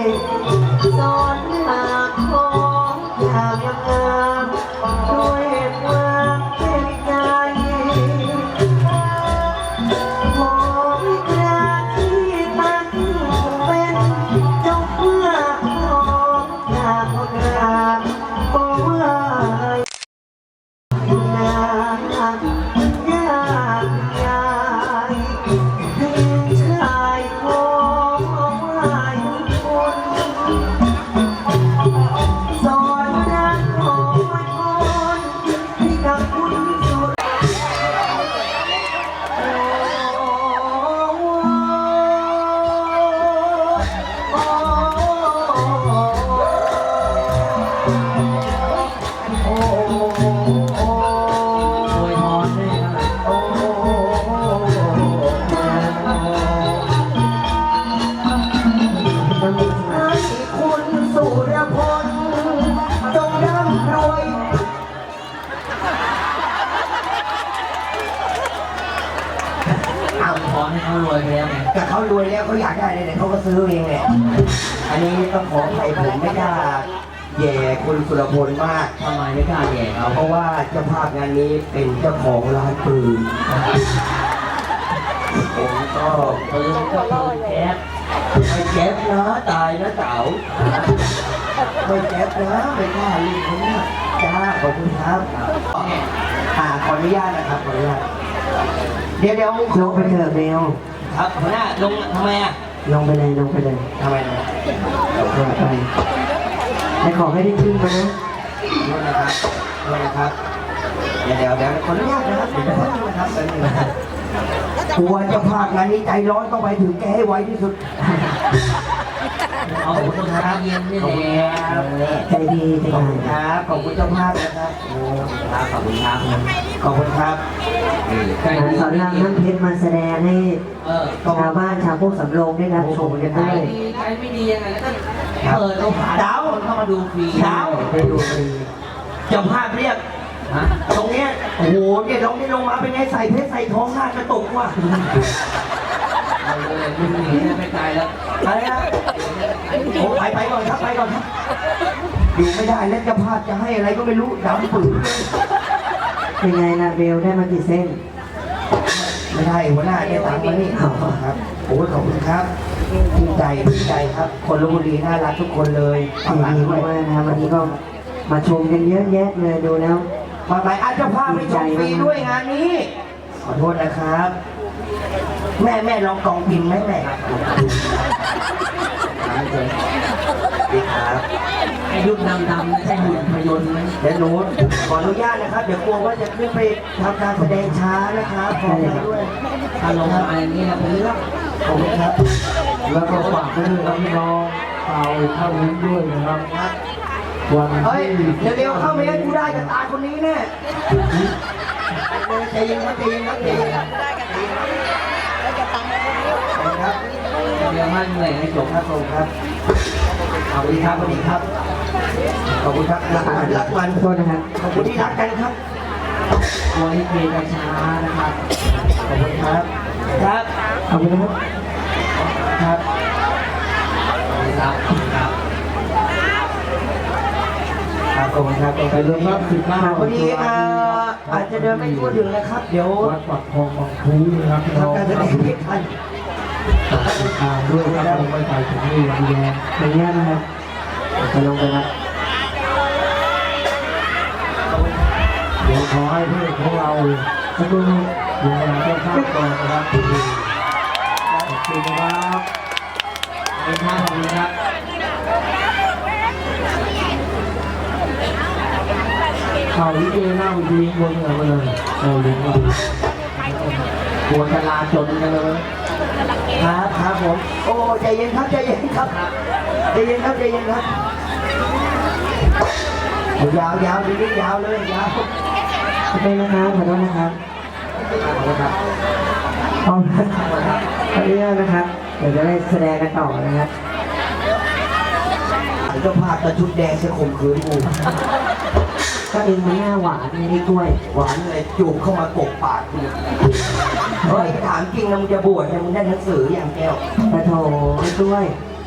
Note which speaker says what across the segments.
Speaker 1: สอนหาของอย่างงามด้วยความเต็มใจของกราที่ตั้งเป็นเจ้าเพื่อของจากคนงามก็ว่าอยู่นานยากยายให้ชายของหลายคนสอนรักของคนให้กับคุณสุด
Speaker 2: ให้เขารวยไปแล้วไง
Speaker 1: แต่เขารวยแล้วเขาอยากได้เลยเนี่ยเขาก็ซื้อเองแหละอันนี้ต้องขอให้ผมไม่กล้าแย่คุณสุรพลมาก
Speaker 2: ทำไมไม่กล้าแย่เขา
Speaker 1: เพราะว่าเจ้าภาพงานนี้เป็นเจ้าของร้านปืนผมก็
Speaker 2: ปืนก็ปืนแก๊ส
Speaker 1: ไม่แก๊ปนะตายนะเต๋าไม่แก๊ปนะไม่กล้าลิงคนนี้จ้าขอบคุณครับขออนุญาตนะครับขออนุญาตเดี๋ยวลงไปเถอะเบล
Speaker 2: ครับหัวหน้าลงทำไมอ่ะ
Speaker 1: ลงไปเลยลงไปเลย
Speaker 2: ทำไมนะ
Speaker 1: ลงไปแต่ขอให้ได้ขึ้นมานะ
Speaker 2: ลงนะครับลงนะครับ
Speaker 1: เดี๋ยวขออนุญาตนะครับเดี๋ยวจะพักนะครับแป๊บนึงนะครับกลัวเจ้าภาพงานนี้ใจร้อนต้องไปถึงแกให้ไวที่สุด
Speaker 2: เอาคนทาเย็นนี่แหละ
Speaker 1: ใจดีใจดีครับขอบคุณเจ้าภาพนะครับโอ้
Speaker 2: ครับขอบคุณครับ
Speaker 1: ขอบคุณครับ
Speaker 2: ใจดี
Speaker 3: สอนรามน้ำเพชรมาแสดงให้ ชาวบ้านชาวพวกสำโรงได้รับชมกัน
Speaker 2: ใจ
Speaker 3: ด้วย
Speaker 2: ดีใจไม่ดียังไงก็เปิดโอกาสคนเข้ามาดูฟรี
Speaker 1: เช้าไปดูฟรีเจ้าภาพเรียก
Speaker 2: ฮะ
Speaker 1: ตรงเนี้ยโอ้โหเนี่ยลงนี่ลงมาเป็นไงใส่เพชรใส่ทองหน้ากระตุกว่ะ
Speaker 2: เอาเลยมึงหนีไม่ไกลแล้ว
Speaker 1: อะไรนะโอ้ไปก่อนครับไปก่อนครับอยู่ไม่ได้แล้วเจ้าภาพจะให้อะไรก็ไม่รู้ดำปื้อ
Speaker 3: เป็นไงล่ะเบลได้มากี่เส้น
Speaker 1: ไม่ได้หัวหน้าเนี่ยตังค์มานี่ครับโอ้ขอบคุณครับดีใจครับ คนลพบุรีน่ารักทุกคนเลย
Speaker 3: ดีมากๆนะครับวันนี้ก็มาชมกันเยอะแยะเลยดูแล้ว
Speaker 1: มาไปอาจจะพาไปชมฟรีด้วยงานนี้ ขอโทษนะครับ แม่ลองกองพิมพ์ไหมแม่ดีครับ
Speaker 2: ไอ้ยุคดำๆใช่หุ่นพยนต์ไหม
Speaker 1: เดี๋ยวหนูขออนุญาตนะครับ เดี๋ยวกลัวว่าจะขึ้นไปทำการแสดงช้านะครับขออนุญาตด้วย
Speaker 2: ถ้าลงมาอย่างนี้นะเป็นเรื่อง
Speaker 1: ขอบคุณครับ
Speaker 3: แล้วก็ฝากไปด้วยครับพี่น้องเอาเข้าลิ้นด้วยนะครับวัน
Speaker 1: เฮ้ยเร็วๆเข้าไม่งั้นกูได้กับตาคนนี้แน่ใจเย็นครับใจเย็นครับใจเย็นครับขอบคุณครับ
Speaker 2: เดี๋ยวมันเหนื่อยให้จบ
Speaker 1: ครับผมครับขอบคุณครับสวัสดีครับ ขอบคุณครับรักมัน
Speaker 3: โทษนะครับ
Speaker 1: ขอบคุณที่รักกันครับ
Speaker 2: ตัวนี้เพลงช้านะครับ
Speaker 1: ขอบคุณครับ ครับ
Speaker 3: ขอบคุณนะครับ
Speaker 1: ครับ
Speaker 2: ครับครับ
Speaker 1: ครับขอบคุณครับ
Speaker 3: ไปรวมรับสิบห้า
Speaker 1: พอดีอาจจะเดินไม่ทั่วถึงนะครับ เดี๋ยว
Speaker 3: วัดปักทองบางคูนะครับพี่น้อง
Speaker 1: ทำการแสดงไม่ทัน
Speaker 3: ตามด้วยครับลงไปใส่ถุงมือดีแดงอย่างเงี้ยนะครับจะลงไปครับเดี๋ยวขอให้เพื่อนของเราสักครู่ดูแลเจ้าภาพก่อนนะครับขอบคุณนะครับ
Speaker 2: เป็นท่าของคุณครับ
Speaker 3: ข่าวลิเกหน้าวิธีบนเหนือมาเลยโอ้ลิงก์
Speaker 2: ปวดจราจนกันเลย
Speaker 1: ครับผม โอ้ใจเย็นครับใจเย็นครับใจเย็นครับใจเย็นครับยาวดียาวเลยยาว
Speaker 3: ขอบคุณนะครับขอโทษนะครับ
Speaker 1: ขอบคุณครับ
Speaker 3: ขอบคุณนะครับ เดี๋ยวจะได้แสดงกันต่อนะครับ
Speaker 1: เจ้าภาพตะชุดแดงจะข่มขืนกู
Speaker 3: ก็เองมันหน้าหวานไงพี่กล้วย
Speaker 1: หวานเลยจูบเข้ามากบปากกูเฮ้ยถามจริงนะมึงจะบวชเนี่ยมึงได้หนังสืออย่างแก้ว
Speaker 3: ปะโถพี่กล้วย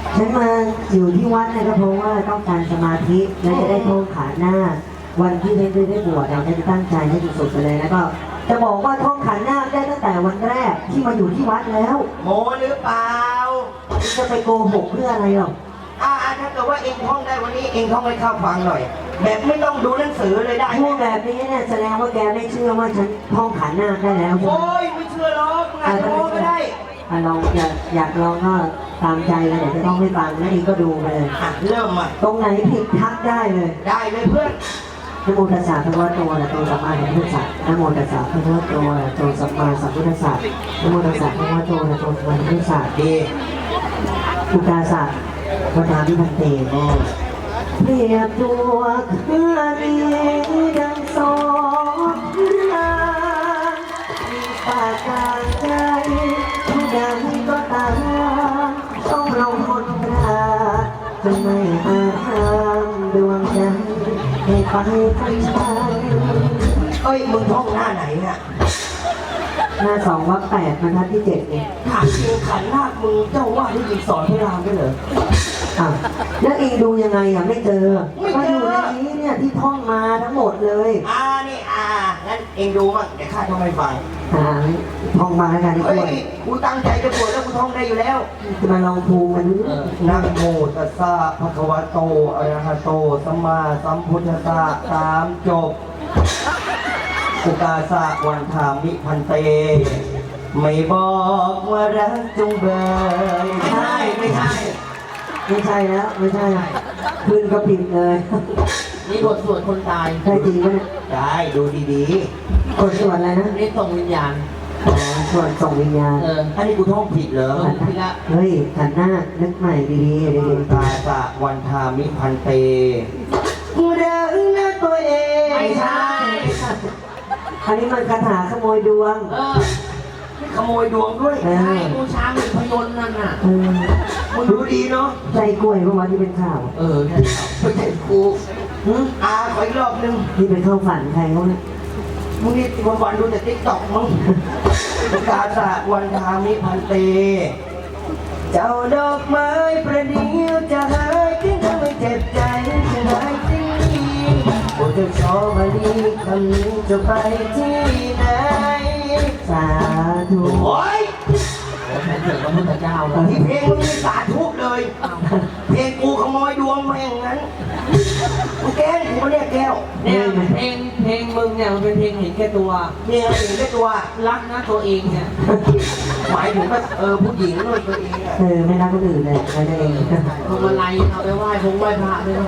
Speaker 4: ฉันมาอยู่ที่วัดเนยก็เพราะว่าต้องการสมาธิและจะได้ท่องขันหน้าวันที่ได้บวชเราจะตั้งใจให้สุดๆไปเลยแล้วก็จะบอกว่าท่องขันหน้าได้ตั้งแต่วันแรกที่มาอยู่ที่วัดแล้ว
Speaker 1: โมหรือเปล่า
Speaker 4: จะไปโกหกเพื่ออะไรหรอก
Speaker 1: ถ้าเกิดว่าเองท่องได้วันนี้เองท่องให้ข้าฟังหน่อย แบบไม่ต้องดูหนังสือเลยได้ไหม
Speaker 4: พูดแบบนี้เนี่ยแสดงว่าแกไม่เชื่อว่าฉันท่องขันหน้าได้แล้วใช่ไหม
Speaker 1: โอ้ยไม่เชื่อหรอกงานโมก็ได้
Speaker 4: ลองอยากลองก็ตามใจเลยเดี๋ยวจะต้องให้ฟังแล้วอีกก็ดูไปเลย
Speaker 1: เริ่มอ่ะ
Speaker 4: ตรงไหนผิดทักได้เลย
Speaker 1: ได้เลยเพื่อน
Speaker 4: นะโมตัสสะภะคะวะโตอะระหะโตสัมมาสัมพุทธัสสะนะโมตัสสะภะคะวะโตอะระหะโตสัมมาสัมพุทธัสสะนะโมตัสสะภะคะวะโตอะระหะโตสัมมาสัมพุทธัสสะ
Speaker 1: ดี
Speaker 4: อุกาสะวัฏามิพันเตเปรียบตัวข้านี้ดังสองรางมีปากกลางใจผู้ใดก็ตามต้องลงมนตราจะไม่อาจห้ามดวงใจให้ไปทั้งใจ
Speaker 1: เอ้ยมึงท่องหน้าไหนเนี่ย
Speaker 4: หน้า2 วรรค 8 บรรทัดที่ 7เนี่ย
Speaker 1: ถามจริงขันนาคมึงเจ้าว่าที่ยิงสอนให้รามด้วยเหรอ
Speaker 4: อ้าวแล้วเองดูยังไงอ่ะไม่เจอ
Speaker 1: ไม่เจอ
Speaker 4: ก็อยู่ในนี้เนี่ยที่ท่องมาทั้งหมดเลย
Speaker 1: นี่งั้นเองดูมั่งเดี๋ยวข้าท่องให้ฟัง
Speaker 4: ท่องมาแล้วกันที่
Speaker 1: เฮ้
Speaker 4: ด้วย
Speaker 1: ยกูตั้งใจจะบวชแล้วกูท่องได้อยู่แล้ว
Speaker 4: จะมาลองภูมิกันดู
Speaker 1: นะโมตัสสะภะคะวะโตอะระหะโตสัมมาสัมพุทธัสสะตามจบอุกาสะวันธามิพันเต ไม่บอกว่ารักจงเบยไม่ใช่
Speaker 4: ไม่ใช่แล้วไม่ใช่ขึ้นก็ผิดเลย
Speaker 2: นี่บทสวดคนตาย
Speaker 4: ใช่จริงไหมเนี่ย
Speaker 1: ได้ดูดี
Speaker 4: กดส่วนอะไรนะ
Speaker 2: นี่ส่งวิญญาณ
Speaker 4: ส่วนส่งวิญญาณ
Speaker 1: ๆอันนี้กูท่องผิดเหรอ
Speaker 2: พี่ละ
Speaker 4: เฮ้ยขันหน้านึกใหม่ดีๆดี
Speaker 1: อุกาสะวันธามิพันเตรักนะตัวเอง
Speaker 2: ไม่ใช่
Speaker 4: ๆอันนี้มันคาถาขโมยดวง
Speaker 1: ขโมยดวงด้วย
Speaker 4: เอ
Speaker 2: ใช่
Speaker 4: อ
Speaker 2: บูชาหุ่นพยนต์นั่นน่ะ
Speaker 4: เออ
Speaker 1: มึงรู้ดีเนาะ
Speaker 4: ใจกล้วยเมื่อวานที่เป็นข่าว
Speaker 2: ใช่
Speaker 1: ไม่ใช่กูขออีกรอบนึง
Speaker 4: ที่ไปเข้าฝันใครเขาเนี่ย
Speaker 1: มึงนี่วันๆดูแต่ติ๊กต็อกมึงอุกาสะวันธามิพันเต เจ้าดอกไม้ประเดี๋ยวจะหายทิ้งทำให้เจ็บใจจะหายจริงโอ้เจ้าชอบมาลีคำนี้จะไปที่ไหน
Speaker 4: สาธุ
Speaker 1: โอ้ย
Speaker 2: แทนเกิดพระพุทธเจ้าเลย
Speaker 1: ที่เพลงมึงนี่สาธุเลย เพลงกูขโมยดวงมาอย่างนั้นกูแกล้งกูเรียกแก้ว
Speaker 2: เนี่ยเพลงมึงเนี่ยมันเป็นเพลงเห็นแก่ตัว
Speaker 1: เพลงอะไรถึงได้ตัว
Speaker 2: รักนะตัวเองเนี่ย
Speaker 1: หมายถึงว่าผู้หญิงด้วยตัวเองอะ
Speaker 4: ไม่รักคนอื่นเลยใครได้เอง
Speaker 2: พวงมาลัยเอาไปไหว้พระด้วย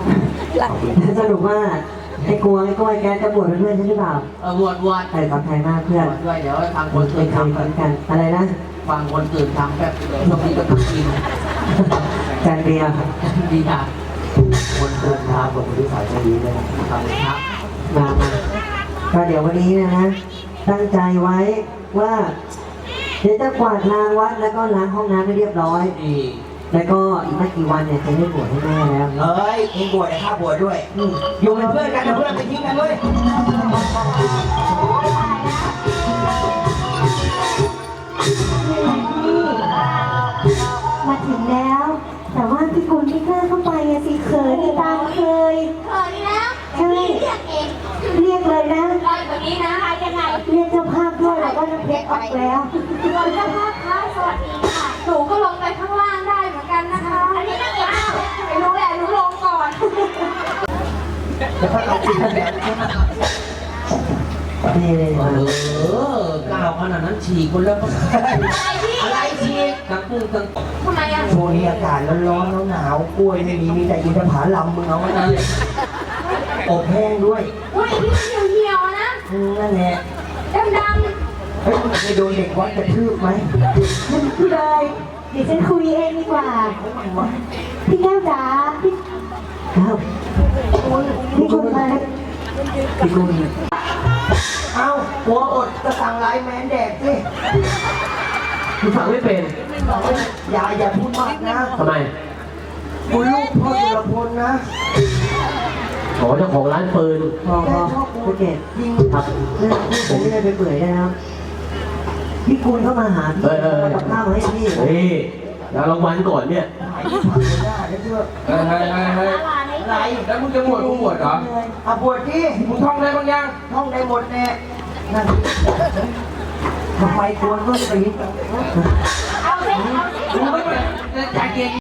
Speaker 4: สรุปว่าไอ้กลัวไอ้ก้อยแกจะบวชเป็นเพื่อนฉันหรือเปล่า
Speaker 2: บวช
Speaker 4: ขอบใจมากเพื่อน
Speaker 2: ด้วยเดี๋ยวทางค
Speaker 4: คน
Speaker 2: น
Speaker 4: เค
Speaker 2: ตื่
Speaker 4: ย
Speaker 2: น
Speaker 4: ทำ
Speaker 2: ทำ
Speaker 4: เหมือนกันอะไรนะ
Speaker 2: ฟังคนตื่นทำแบบช่วงนี้ก็ต้องกิน
Speaker 4: จานเบียร์
Speaker 2: ดีค่ะ
Speaker 1: คนเดินทางกับคนที่สายจะดีเลยนะ
Speaker 2: ครับ
Speaker 4: มาก็เดี๋ยววันนี้นะตั้งใจไว้ว่าเดี๋ยวจะกวาดลานวัดแล้วก็ล้างห้องน้ำให้เรียบร้อย
Speaker 2: ดี
Speaker 4: แล้วก็อีกไม่กี่วันเนี่ยจะได้บวชให้แม่แล้ว
Speaker 1: เฮ้ยเองบวชแต่ข้าบวชด้วย อยู่เป็นเพื่อนกันนะเพื่อนไปทิ้งกันด้วย
Speaker 5: มาถึงแล้ว แต่ว่าพี่กุลไม่กล้าเข้าไปอะสิเขินตามเคย
Speaker 6: เขินแล้ว
Speaker 5: ใช่
Speaker 6: เรียกเอง
Speaker 5: เรียกเลยนะ
Speaker 6: ลอยแบบนี้นะยังไง
Speaker 5: เรียกเจ้าภาพด้วยแล้วก็น้ำเพชรออกแล้ว
Speaker 6: ลอยเจ้าภาพคะสวัสดีค่ะหนูก็ลงไปข้างล่างได้เหมือนกันนะคะ อันนี้นักเอกไม่รู้แหละหนูลงก่อน
Speaker 4: นี่เลยมา
Speaker 2: ก้าวขนาดนั้นฉีกคนแล้วก็
Speaker 6: อะไรพี่
Speaker 2: อะไรฉีกกังกุ้งกัง
Speaker 6: ทำไมอ่ะ
Speaker 1: ช่วงนี้อากาศร้อนๆหนาวๆกล้วยไม่มีแต่อินทผลัมมึงเอาไว้นะอบแห้งด้วย
Speaker 6: อุ้ยพี่เหี่ยวๆนะ
Speaker 1: นั่นแหละ
Speaker 6: ดำ
Speaker 1: เฮ้ยมึงเคยโดนเด็กวัดกระทืบไหม
Speaker 5: พี่เลยเดี๋ยวฉันคุยเองดีกว่า พี่แก้วจ๋าพี่
Speaker 4: ครับ
Speaker 5: พี่กุลมา
Speaker 4: พี่กุล
Speaker 1: เอ้าหัวอดจะสั่งไลน์แมนแดกสิ
Speaker 3: คุณฟังไม่เป็น
Speaker 1: อย่าพูดมากนะ
Speaker 3: ทำไม
Speaker 1: กูลูกพ่อสุรพลนะ
Speaker 3: ขอเจ้าของร้านปืน
Speaker 4: พอภูเก็ต
Speaker 1: ยิง
Speaker 3: ครับ
Speaker 4: เรื่องพูดผมไม่ได้ไปเปื่อยได้นะครับพี่กุลเข้ามาหาพี่
Speaker 3: เฮ้ย
Speaker 4: ทำกับข้าวมาให้พี่
Speaker 3: เฮ้ยแล้วรางวัลก่อนเนี่ย
Speaker 1: หายที่ผ่านไม่ได้นะเชื่อ
Speaker 2: เฮ้ยอะไรแล้วมึงจะบวชมึงบวชเหรอ
Speaker 1: เอาบวชที่
Speaker 2: มึงท่องได้บ้างยัง
Speaker 1: ห้องได้หมดแน่นั่นทำไมควรก็ตี
Speaker 6: เอาสิเอาสิ
Speaker 2: มึงไม่เป็นใจเย็น